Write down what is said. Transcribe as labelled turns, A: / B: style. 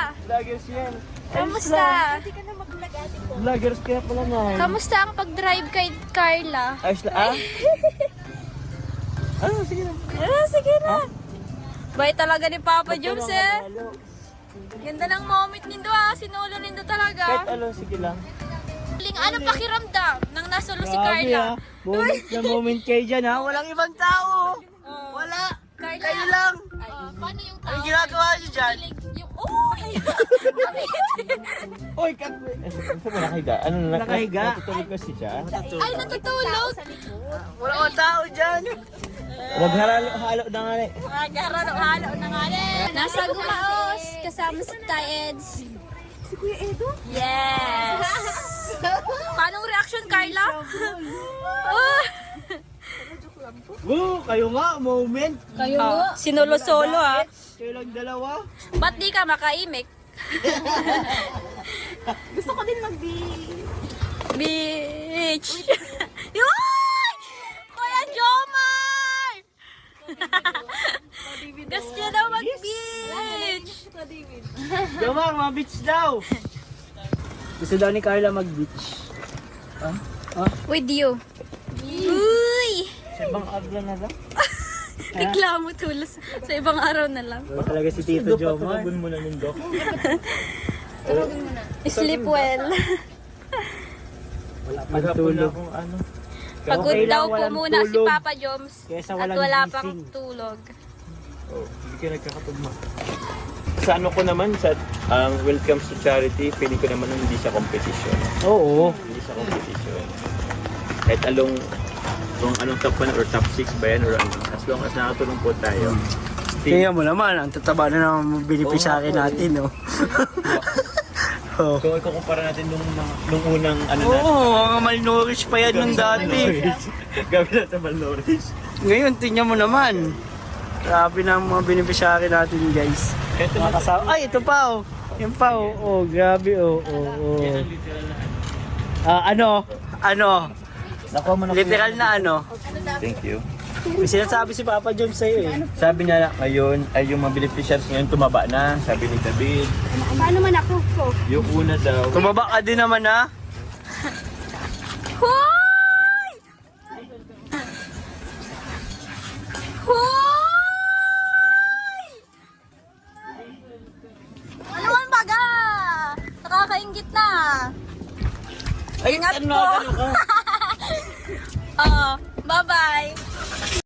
A: Vloggers yan.
B: Kamusta?
A: Vloggers kaya pala na.
B: Kamusta ang pag-drive kay Carla?
A: Ayos na, ah? Sige na.
B: Sige na. Bay talaga ni Papa Joms eh. Ganda ng moment nindo sinulo nindo
A: Kahit
B: talaga.
A: sige lang.
B: Ano pakiramdam nang nasulo si
A: Grabe,
B: Carla?
A: Moment na moment kayo dyan ha. Walang ibang tao. Wala.
B: Carla.
A: Kayo lang.
B: Paano yung tao?
A: Anong ginagawa niyo dyan?
B: Yung,
A: Oy, kakwe. Saan mo nakahiga? Ano na
C: Nakahiga?
A: Natutulog kasi siya.
B: Ay, natutulog.
A: Wala kang tao dyan. Huwag halo na nga eh.
B: Halo na nga rin. Nasa Gumaos, kasama si Taeds.
D: Si Kuya Edo?
B: Yes! Paano reaction, Carla? Oh,
A: Kayo nga, moment.
B: Sinolo-solo
A: Kayo lang dalawa.
B: Ba't di ka makaimik?
D: Gusto ko din
B: Beach! Yoy! Kuya Jomar! Gusto niya daw mag-beach!
A: Jomar, mga beach daw.
C: Gusto daw ni Carla mag-beach.
B: With you. Uy!
A: Sa ibang agla na lang.
B: Reklamo tulos sa ibang araw na lang.
C: Ba talaga si Tito Jomar?
A: Patulogin mo na yung dok.
B: Sleep well.
C: Wala pang
A: Maghapon na
C: tulog.
A: akong ano.
B: Pagod
C: Okay lang,
B: daw po
C: walang
B: muna si
C: tulog.
B: Papa Joms
C: Kesa
B: at
C: walang
B: wala
C: gising.
B: pang tulog.
A: Oh, hindi ka nagkakatugma. Sa ano ko naman, sa when it comes to charity, pili ko naman hindi siya competition.
C: Oo.
A: Hindi siya competition. Kahit kung anong top 1 or top 6 ba yan or ano, as long as nakatulong po tayo.
C: Tingnan mo naman, ang tataba na ng beneficiary natin, no? Oh.
A: Kung ikukumpara natin nung unang ano
C: Oo, mga malnourished pa yan nung dati.
A: Gabi na sa malnourished.
C: Ngayon, tingnan mo naman. Grabe na ang mga beneficiary natin, guys.
A: Ito
C: Mga kasama. Ay, ito pa, oh. Yan pa, oh. Oh, grabe, oh. Oh, oh. Ano?
A: Nakuha mo na
C: Literal na ano?
A: Thank you.
C: May sinasabi si Papa John sa'yo, eh.
A: Sabi niya ngayon ay yung mga beneficiaries ngayon tumaba na, sabi ni David.
D: Paano man ako?
A: Yung una daw,
C: Tumaba ka din naman, ha?
B: Hoy! Hoy! Ano man baga? Nakakaingit na.
A: ay,
B: Ingat
A: ano
B: po.
A: ka?
B: Bye-bye.